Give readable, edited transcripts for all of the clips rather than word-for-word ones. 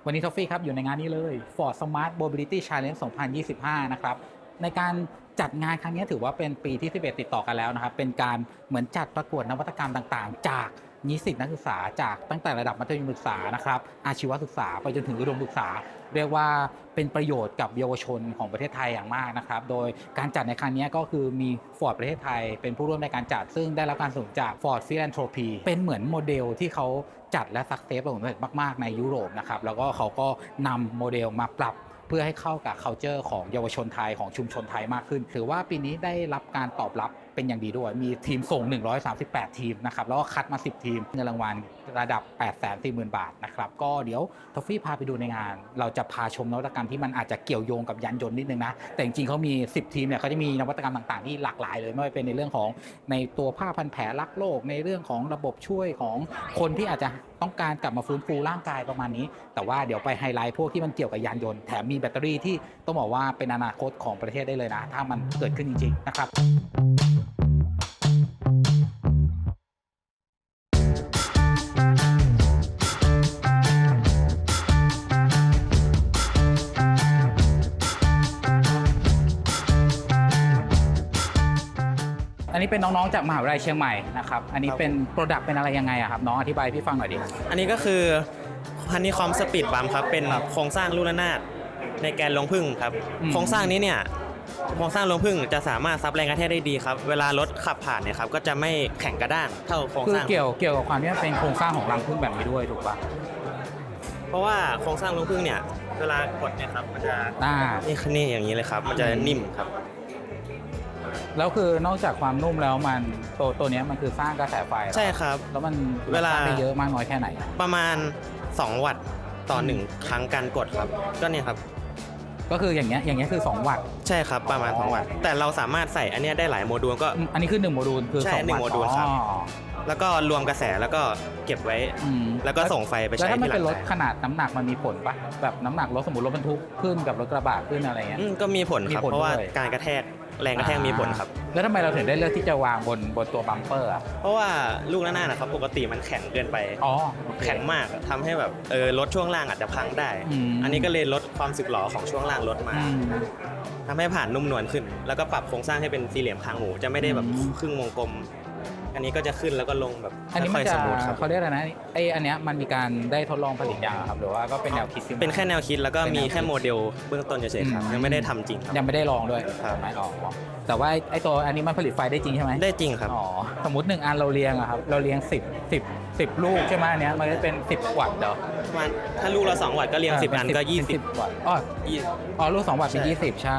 วันนี้ทอฟฟี่ครับอยู่ในงานนี้เลย Ford Smart Mobility Challenge 2025 นะครับในการจัดงานครั้งนี้ถือว่าเป็นปีที่11ติดต่อกันแล้วนะครับเป็นการเหมือนจัดประกวดนวัตกรรมต่างๆจากนิสิตนักศึกษาจากตั้งแต่ระดับมัธยมศึกษานะครับอาชีวศึกษาไปจนถึงอุดมศึกษาเรียกว่าเป็นประโยชน์กับเยาวชนของประเทศไทยอย่างมากนะครับโดยการจัดในครั้งนี้ก็คือมี Ford ประเทศไทยเป็นผู้ร่วมในการจัดซึ่งได้รับการสนับสนุนจาก Ford Philanthropy เป็นเหมือนโมเดลที่เขาจัดและสักเซสประสบความสำเร็จมากๆในยุโรปนะครับแล้วก็เขาก็นำโมเดลมาปรับเพื่อให้เข้ากับ culture ของเยาวชนไทยของชุมชนไทยมากขึ้นถือว่าปีนี้ได้รับการตอบรับเป็นอย่างดีด้วยมีทีมส่ง138ทีมนะครับแล้วก็คัดมา10ทีมเงินรางวัลระดับ 840,000 บาทนะครับก็เดี๋ยวทอฟฟี่พาไปดูในงานเราจะพาชมนวัตกรรมที่มันอาจจะเกี่ยวโยงกับยานยนต์นิดนึงนะแต่จริงๆเขามี10ทีมเนี่ยเขาจะมีนวัตกรรมต่างๆที่หลากหลายเลยไม่ว่าเป็นในเรื่องของในตัวผ้าพันแผลรักโลกในเรื่องของระบบช่วยของคนที่อาจจะต้องการกลับมาฟื้นฟูร่างกายประมาณนี้แต่ว่าเดี๋ยวไปไฮไลท์พวกที่มันเกี่ยวกับยานยนต์แถมมีแบตเตอรี่ที่ต้องบอกว่าเป็นอนาคตของประเทศได้เลยนะถ้ามันเกิดขึ้นจริงๆนะครับอันนี้เป็นน้องๆจากมหาวิทยาลัยเชียงใหม่นะครับอันนี้เป็นโปรดักต์เป็นอะไรยังไงครับน้องอธิบายพี่ฟังหน่อยดิอันนี้ก็คือฮันนี่คอมสปีดบัมครับเป็นโครงสร้างลูกระนาดในแกนรวงผึ้งครับโครงสร้างนี้เนี่ยโครงสร้างรวงผึ้งจะสามารถซับแรงกระแทกได้ดีครับเวลารถขับผ่านเนี่ยครับก็จะไม่แข็งกระด้างเท่าโครงสร้างคือเกี่ยวกับความที่มันเป็นโครงสร้างของรังผึ้งแบบนี้ด้วยถูกปะเพราะว่าโครงสร้างรวงผึ้งเนี่ยเวลากดเนี่ยครับมันจะนี่อย่างนี้เลยครับมันจะนิ่มครับแล้วคือนอกจากความนุ่มแล้วมันตัวนี้มันคือสร้างกระแสไฟใช่ครับแล้วมันเวลาได้เยอะมากน้อยแค่ไหนประมาณ2 วัตต์ต่อ1ครั้งการกดครับก็เนี่ยครับก็คืออย่างเงี้ยคือ2 วัตต์ใช่ครับประมาณ2 วัตต์แต่เราสามารถใส่อันนี้ได้หลายโมดูลก็อันนี้คือ1โมดูลคือ 2 วัตต์1โมดูลครับแล้วก็รวมกระแสแล้วก็เก็บไว้แล้วก็ส่งไฟไปใช้ที่หลังแล้วถ้ามันเป็นรถขนาดน้ำหนักมันมีผลปะแบบน้ำหนักรถสมมติรถบรรทุกขึ้นกับรถกระบะขึ้นอะไรเงี้ยก็มีผลครับเพราะว่าการกระแทกแรงกระแทกมีผลครับแล้วทำไมเราถึงได้เลือกที่จะวางบนตัวบัมเปอร์อ่ะเพราะว่าลูกระนาดนะครับปกติมันแข็งเกินไปแข็งมากทำให้แบบรถช่วงล่างอาจจะพังได้อันนี้ก็เลยลดความสึกหรอของช่วงล่างรถมาทำให้ผ่านนุ่มนวลขึ้นแล้วก็ปรับโครงสร้างให้เป็นสี่เหลี่ยมคางหมูจะไม่ได้แบบครึ่งวงกลมอันนี้ก็จะขึ้นแล้วก็ลงแบบอันนี้มันจะเขาเรียกอะไรนะอันเนี้ยมันมีการได้ทดลองผลิตอย่างครับหรือว่าก็เป็นแนวคิดเป็นแค่แนวคิดแล้วก็มีแค่โมเดลเบื้องต้นเฉยๆครับยังไม่ได้ทำจริงยังไม่ได้ลองด้วยไม่ออกแต่ว่าไอตัวอันนี้มันผลิตไฟได้จริงใช่ไหมได้จริงครับสมมติ1 อันเราเรียงอะครับเราเรียง10ลูกใช่ไหมอันเนี้ยมันจะเป็น10 วัตต์เดี๋ยวถ้าลูกละ2 วัตต์ก็เรียง10 อันก็20 วัตต์ลูก2 วัตต์เป็น20ใช่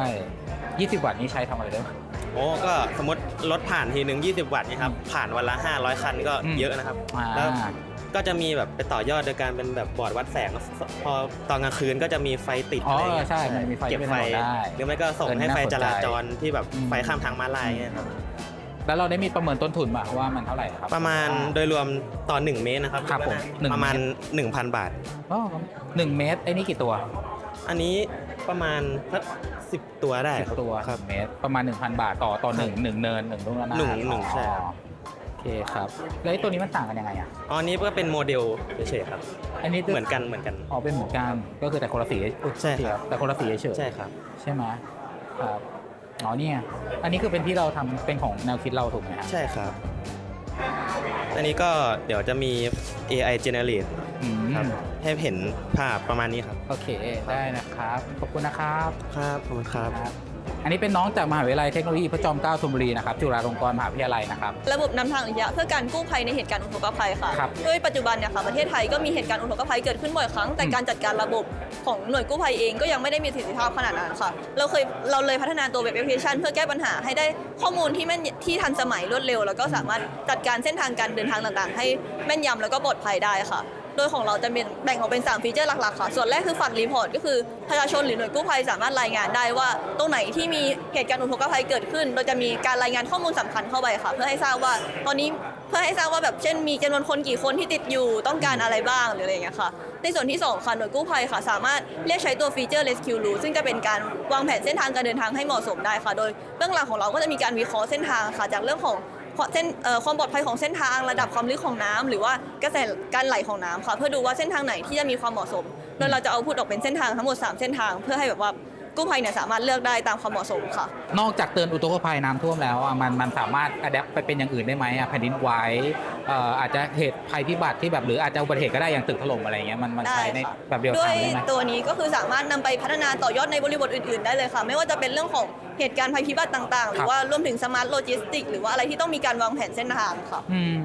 20 วัตต์นี้ใช้ทำอะไรได้โอ้ก็สมมติรถผ่านทีนึง20 วัตต์นี่ครับผ่านวันละ500 คันก็เยอะนะครับแล้วก็จะมีแบบไปต่อยอดโดยการเป็นแบบบอร์ดวัดแสงพอตอนกลางคืนก็จะมีไฟติดอะไรเงี้ยใช่มันมีไฟเก็บไฟหรือไม่ก็ส่งให้ไฟจราจรที่แบบไฟข้ามทางม้าลายเงี้ยครับแล้วเราได้มีประเมินต้นทุนป่ะว่ามันเท่าไหร่ครับประมาณโดยรวมต่อ1 เมตรนะครับประมาณ 1,000 บาท 1 เมตรไอ้นี่กี่ตัวอันนี้ประมาณสัก10 ตัวได้ 10 ตัวครับเมตรประมาณ 1,000 บาทต่อ1เนิน1ลูกระนาด 1ใช่โอเคครับแล้วตัวนี้มันต่างกันยังไงอ่ะอันนี้ก็เป็นโมเดลเฉยๆครับอันนี้เหมือนกันเป็นเหมือนกันก็คือแต่คนละสีใช่ครับแต่คนละสีเฉยใช่ครับใช่ไหมครับเนี่ยอันนี้คือเป็นที่เราทำเป็นของแนวคิดเราถูกไหมครับใช่ครับอันนี้ก็เดี๋ยวจะมี AI generate ครับให้เห็นภาพประมาณนี้ครับโอเคได้นะครับขอบคุณนะครับครับขอบคุณครับอันนี้เป็นน้องจากมหาวิทยาลัยเทคโนโลยีพระจอมเกล้าธนบุรีนะครับจุฬาลงกรณ์มหาวิทยาลัยนะครับระบบนำทางอัจฉริยะเพื่อการกู้ภัยในเหตุการณ์อุทกภัยค่ะโดยปัจจุบันเนี่ยค่ะประเทศไทยก็มีเหตุการณ์อุทกภัยเกิดขึ้นบ่อยครั้งแต่การจัดการระบบของหน่วยกู้ภัยเองก็ยังไม่ได้มีประสิทธิภาพขนาดนั้นค่ะเราเลยพัฒนาตัวเว็บแอปพลิเคชันเพื่อแก้ปัญหาให้ได้ข้อมูลที่ทันสมัยรวดเร็วแล้วก็สามารถจัดการเส้นทางการเดินทางต่างๆให้แม่นยำแล้วก็ปลอดภัยได้ค่ะโดยของเราจะแบ่งออกเป็น3ฟีเจอร์หลักๆค่ะส่วนแรกคือฝันรีพอร์ตก็คือประชาชนหรือหน่วยกู้ภัยสามารถรายงานได้ว่าตรงไหนที่มีเหตุการณ์อุทกภัยเกิดขึ้นโดยจะมีการรายงานข้อมูลสำคัญเข้าไปค่ะเพื่อให้ทราบว่าตอนนี้แบบเช่นมีจำนวนคนกี่คนที่ติดอยู่ต้องการอะไรบ้างหรืออะไรอย่างเงี้ยค่ะในส่วนที่2ค่ะหน่วยกู้ภัยค่ะสามารถเรียกใช้ตัวฟีเจอร์ Rescue Route ซึ่งจะเป็นการวางแผนเส้นทางการเดินทางให้เหมาะสมได้ค่ะโดยเบื้องหลังของเราก็จะมีการวิเคราะห์เส้นทางค่ะจากเรื่องของความปลอดภัยของเส้นทางระดับความลึกของน้ำหรือว่ากระแสการไหลของน้ำค่ะเพื่อดูว่าเส้นทางไหนที่จะมีความเหมาะสมโดยเราจะเอาพูดออกเป็นเส้นทางทั้งหมด3เส้นทางเพื่อให้แบบว่ากู้ภัยเนี่ยสามารถเลือกได้ตามความเหมาะสมค่ะนอกจากเตือนอุทกภัยน้ำท่วมแล้วมันสามารถอัดแอปไปเป็นอย่างอื่นได้ไหมแผ่นดินไหวอาจจะเหตุภัยพิบัติที่แบบหรืออาจจะอุบัติเหตุก็ได้อย่างตึกถล่มอะไรเงี้ยมันใช้ในแบบเดียวกันได้ไหมด้วยตัวนี้ก็คือสามารถนำไปพัฒนาต่อยอดในบริบทอื่นๆได้เลยค่ะไม่ว่าจะเป็นเรื่องของเหตุการณ์ภัยพิบัติต่างๆหรือว่ารวมถึงสมาร์ทโลจิสติกหรือว่าอะไรที่ต้องมีการวางแผนเส้นทางค่ะ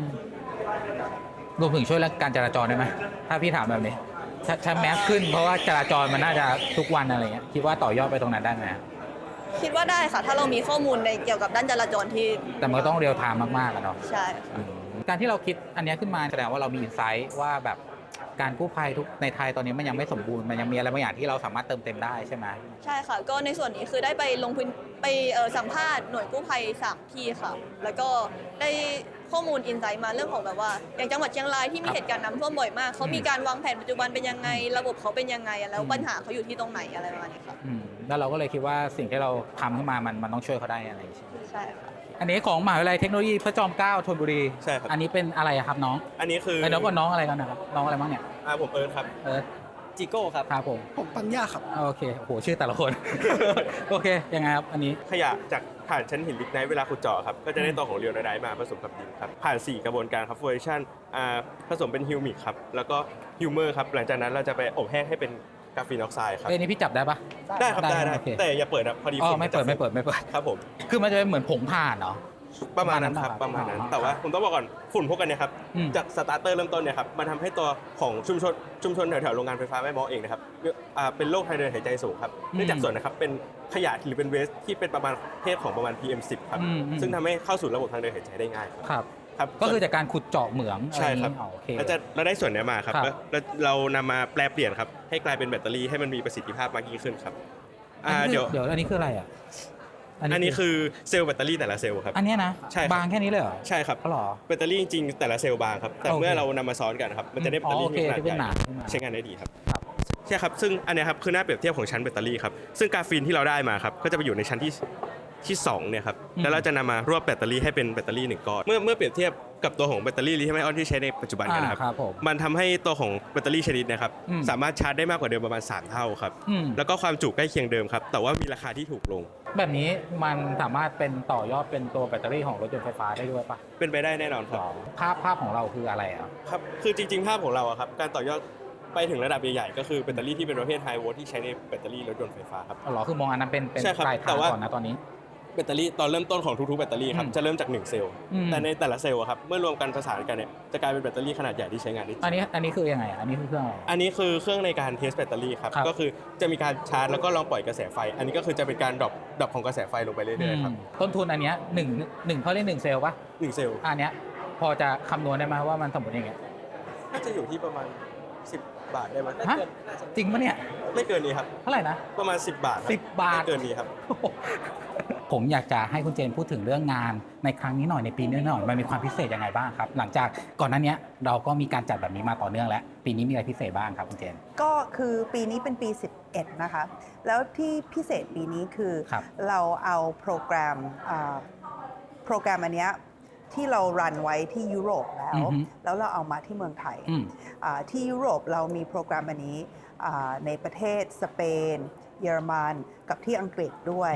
รวมถึงช่วยเรื่องการจราจรได้ไหมถ้าพี่ถามแบบนี้ใช้แมสขึ้นเพราะว่าจราจรมันน่าจะทุกวันอะไรเงี้ยคิดว่าต่อยอดไปตรงนั้นได้ไหมคิดว่าได้ค่ะถ้าเรามีข้อมูลในเกี่ยวกับด้านจราจรที่แต่มันก็ต้องเรียลไทม์มากๆอะเนาะใช่การที่เราคิดอันนี้ขึ้นมาแสดงว่าเรามีอินไซต์ว่าแบบการกู้ภัยทุกในไทยตอนนี้มันยังไม่สมบูรณ์มันยังมีอะไรบางอย่างที่เราสามารถเติมเต็มได้ใช่ไหมใช่ค่ะก็ในส่วนนี้คือได้ไปลงพื้นไปสัมภาษณ์หน่วยกู้ภัย3ที่ค่ะแล้วก็ได้ข้อมูลอินไซต์มาเรื่องของแบบว่าอย่างจังหวัดเชียงรายที่มีเหตุการณ์น้ำท่วมบ่อยมากเขามีการวางแผนปัจจุบันเป็นยังไงระบบเขาเป็นยังไงแล้วปัญหาเขาอยู่ที่ตรงไหนอะไรประมาณนี้ค่ะแล้วเราก็เลยคิดว่าสิ่งที่เราทำขึ้นมามันต้องช่วยเขาได้อะไรใช่ไหมใช่ค่ะอันนี้ของมหาวิทยาลัยเทคโนโลยีพระจอมเกล้าธนบุรีใช่ครับอันนี้เป็นอะไรครับน้องอันนี้คือน้องกับน้องอะไรกันนะครับน้องอะไรบ้างเนี่ยผมเอิร์ธครับจิโก้ครับครับผมปัญญาครับโอเคโอ้โหชื่อแต่ละคน โอเคยังไงครับอันนี้ขยะจากผ่านชั้นหินลิกไนท์เวลาขุดเจาะครับก็จะได้ตัวของเรียวไนท์มาผสมกับดินครับผ่าน4กระบวนการครับฟูเรชั่นผสมเป็นฮิวมิกครับแล้วก็ฮิวเมอร์ครับหลังจากนั้นเราจะไปอบแห้งให้เป็นกราฟีนออกไซด์ครับนี่พี่จับได้ปะได้ครับได้แต่อย่าเปิดนะพอดีไม่เปิดครับผมคือมันจะเป็นเหมือนผงถ่านเนาะประมาณนั้นครับประมาณนั้นแต่ว่าผมต้องบอกก่อนฝุ่นพวกกันเนี่ยครับจากสตาร์เตอร์เริ่มต้นเนี่ยครับมันทำให้ตัวของชุมชนแถวๆโรงงานไฟฟ้าแม่ม้อเองนะครับเป็นโรคทางเดินหายใจสูงครับเนื่องจากส่วนนะครับเป็นขยะหรือเป็นเวสที่เป็นประมาณเพศของประมาณ PM10 ครับซึ่งทำให้เข้าสู่ระบบทางเดินหายใจได้ง่ายครับก็คือจากการขุดเจาะเหมืองใช่ครับเราได้ส่วนนี้มาครับเรานำมาแปลเปลี่ยนครับให้กลายเป็นแบตเตอรี่ให้มันมีประสิทธิภาพมากยิ่งขึ้นครับเดี๋ยวอันนี้คืออะไรอ่ะอันนี้คือเซลล์แบตเตอรี่แต่ละเซลล์ครับอันนี้นะใช่บางแค่นี้เลยเหรอใช่ครับหรอแบตเตอรี่จริงๆแต่ละเซลล์บางครับแต่เมื่อเรานำมาซ้อนกันครับมันจะได้แบตเตอรี่ที่ขนาดใหญ่ใช้งานได้ดีครับใช่ครับซึ่งอันนี้ครับคือหน้าเปรียบเทียบของชั้นแบตเตอรี่ครับซึ่งกราฟีนที่เราได้มาครับก็จะไปอยู่ในชั้นที่2เนี่ยครับแล้วเราจะนำมารวบแบตเตอรี่ให้เป็นแบตเตอรี่1ก้อนเมื่อเปรียบเทียบกับตัวของแบตเตอรี่ลิเธียมไอออนที่ใช้ในปัจจุบันกันนะครับมันทำให้ตัวของแบตเตอรี่ชนิดนะครับสามารถชาร์จได้มากกว่าเดิมประมาณ3เท่าครับแล้วก็ความจุใกล้เคียงเดิมครับแต่ว่ามีราคาที่ถูกลงแบบนี้มันสามารถเป็นต่อยอดเป็นตัวแบตเตอรี่ของรถยนต์ไฟฟ้าได้ด้วยปะเป็นไปได้แน่นอนครับภาพของเราคืออะไรครับคือจริงๆภาพของเราครับการต่อยอดไปถึงระดับใหญ่ๆก็คือแบตเตอรี่ที่เป็นประเภทไฮโวลต์ที่ใช้ในแบตเตอรี่รถยนต์ไฟฟ้าครับหรอคือมองอันนั้นเป็นปลายทางก่อนนะตอนนี้แบตเตอรี่ตอนเริ่มต้นของทุกๆแบตเตอรี่ครับจะเริ่มจาก1เซลล์แต่ในแต่ละเซลล์ครับเมื่อรวมกันประสานกันเนี่ยจะกลายเป็นแบตเตอรี่ขนาดใหญ่ที่ใช้งานได้อันนี้คือยังไงอันนี้คือเครื่องอะไรอันนี้คือเครื่องในการเทสแบตเตอรี่ครับก็คือจะมีการชาร์จแล้วก็ลองปล่อยกระแสไฟอันนี้ก็คือจะเป็นการดรอปของกระแสไฟลงไปเรื่อยๆครับต้นทุนอันนี้1เขาเรียก1เซลล์ปะ 1เซลล์อันนี้พอจะคำนวณได้ไหมว่ามันสมมติยังไงน่าจะอยู่ที่ประมาณ10 บาทได้ไหมจริงปะเนี่ยไม่เกินนี้ครับเท่าไหร่นะประมาณ10 บาท 10 บาทไม่เกินนี้ครับผมอยากจะให้คุณเจนพูดถึงเรื่องงานในครั้งนี้หน่อยในปีนี้หน่อยมันมีความพิเศษยังไงบ้างครับหลังจากก่อนหน้านี้เราก็มีการจัดแบบนี้มาต่อเนื่องแล้วปีนี้มีอะไรพิเศษบ้างครับคุณเจนก็คือปีนี้เป็นปี11นะคะแล้วที่พิเศษปีนี้คือเราเอาโปรแกรมอันเนี้ยที่เรารันไว้ที่ยุโรปแล้วเราเอามาที่เมืองไทยที่ยุโรปเรามีโปรแกรมอันนี้ในประเทศสเปนเยอรมันกับที่อังกฤษด้วย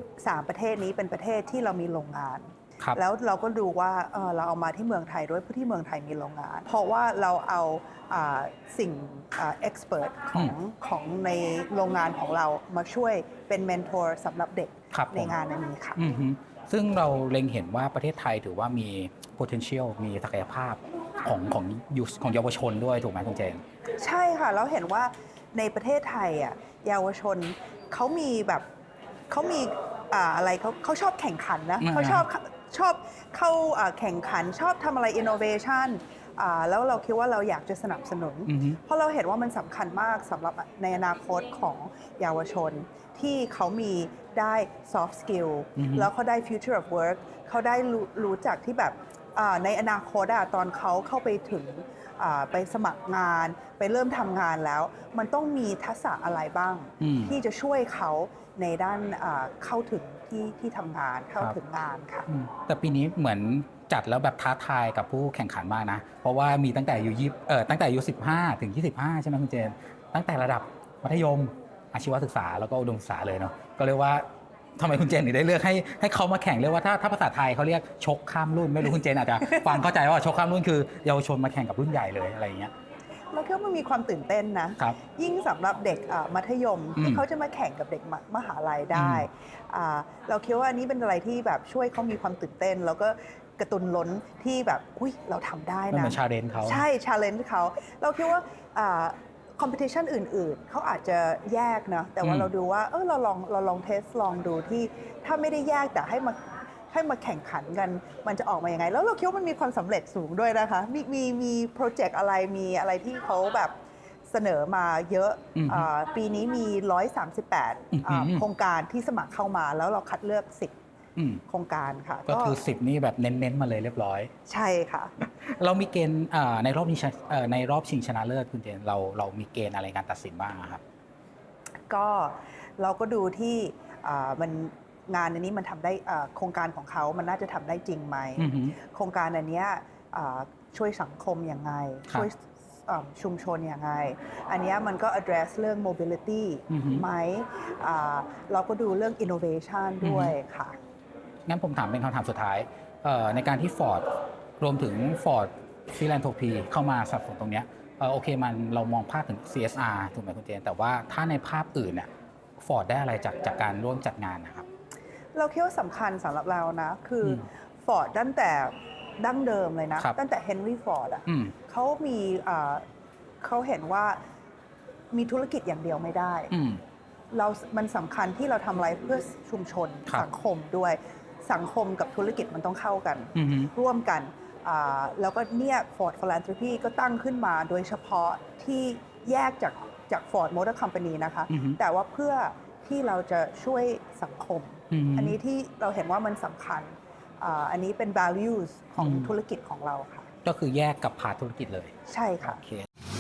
3ประเทศนี้เป็นประเทศที่เรามีโรงงานแล้วเราก็ดูว่าเราเอามาที่เมืองไทยด้วยเพราะที่เมืองไทยมีโรงงานเพราะว่าเราเอาสิ่งเอ็กซ์เพรสของในโรงงานของเรามาช่วยเป็นเมนทอร์สำหรับเด็กในงานนี้ค่ะซึ่งเราเล็งเห็นว่าประเทศไทยถือว่ามี potential มีศักยภาพของเยาวชนด้วยถูกไหมคุณเจนใช่ค่ะเราเห็นว่าในประเทศไทยเยาวชนเขามีอะไรเขาชอบแข่งขันนะเขาชอบเข้าแข่งขันชอบทำอะไร innovation แล้วเราคิดว่าเราอยากจะสนับสนุนเพราะเราเห็นว่ามันสำคัญมากสำหรับในอนาคตของเยาวชนที่เขามีได้ soft skill แล้วเขาได้ future of work เขาได้รู้จักที่แบบในอนาคตตอนเขาเข้าไปถึงไปสมัครงานไปเริ่มทำงานแล้วมันต้องมีทักษะอะไรบ้างที่จะช่วยเขาในด้านเข้าถึงที่ทำงานเข้าถึงงานค่ะแต่ปีนี้เหมือนจัดแล้วแบบท้าทายกับผู้แข่งขันมากนะเพราะว่ามีตั้งแต่อายุ15 ถึง 25ใช่ไหมคุณเจนตั้งแต่ระดับมัธยมอาชีวศึกษาแล้วก็อุดมศึกษาเลยเนาะก็เรียกว่าทำไมคุณเจนถึงได้เลือกให้เขามาแข่งเรียกว่าถ้าภาษาไทยเขาเรียกชกข้ามรุ่นไม่รู้คุณเจนอาจจะฟังเข้าใจว่าชกข้ามรุ่นคือเยาวชนมาแข่งกับรุ่นใหญ่เลยอะไรอย่างเงี้ยเราคิดว่ามันมีความตื่นเต้นนะยิ่งสำหรับเด็กมัธยมที่เขาจะมาแข่งกับเด็กมหาลัยได้เราคิดว่าอันนี้เป็นอะไรที่แบบช่วยเขามีความตื่นเต้นแล้วก็กระตุ้นล้นที่แบบอุ้ยเราทำได้นะมันชาเลนจ์เขาใช่ชาเลนจ์เขาเราคิดว่าคอมเพติชันอื่นๆเขาอาจจะแยกนะแต่ว่าเราดูว่าเราลองเทสลองดูที่ถ้าไม่ได้แยกแต่ให้มาแข่งขันกันมันจะออกมายังไงแล้วเราคิดว่ามันมีความสำเร็จสูงด้วยนะคะมีโปรเจกต์อะไรมีอะไรที่เขาแบบเสนอมาเยอะปีนี้มี138โครงการที่สมัครเข้ามาแล้วเราคัดเลือก10โครงการค่ะก็คือ10นี่แบบเน้นๆมาเลยเรียบร้อยใช่ค่ะเรามีเกณฑ์ในรอบนี้ในรอบชิงชนะเลิศคุณเจนเรามีเกณฑ์อะไรการตัดสินบ้างครับก็เราก็ดูที่มันงานอันนี้มันทำได้โครงการของเขามันน่าจะทำได้จริงไหมโครงการอันนี้ช่วยสังคมยังไงช่วยชุมชนยังไงอันนี้มันก็ address เรื่อง mobility ไหมเราก็ดูเรื่อง innovation ด้วยค่ะงั้นผมถามเป็นคำถามสุดท้ายในการที่ Ford รวมถึง Ford Philanthropy เข้ามาสนับสนุนตรงนี้โอเคเรามองภาพถึง CSR ถูกไหมคุณเจนแต่ว่าถ้าในภาพอื่นเนี่ย Ford ได้อะไรจากการร่วมจัดงานนะครับเราคิดว่าสำคัญสำหรับเรานะคือ Ford ตั้งแต่ดั้งเดิมเลยนะตั้งแต่ Henry Ford เขาเห็นว่ามีธุรกิจอย่างเดียวไม่ได้มันสำคัญที่เราทำอะไรเพื่อชุมชนสังคมด้วยสังคมกับธุรกิจมันต้องเข้ากันร่วมกันแล้วก็เนี่ย Ford Philanthropy ก็ตั้งขึ้นมาโดยเฉพาะที่แยกจาก Ford Motor Company นะคะแต่ว่าเพื่อที่เราจะช่วยสังคมอันนี้ที่เราเห็นว่ามันสำคัญอันนี้เป็น values ของธุรกิจของเราค่ะก็คือแยกกับพาธุรกิจเลยใช่ค่ะ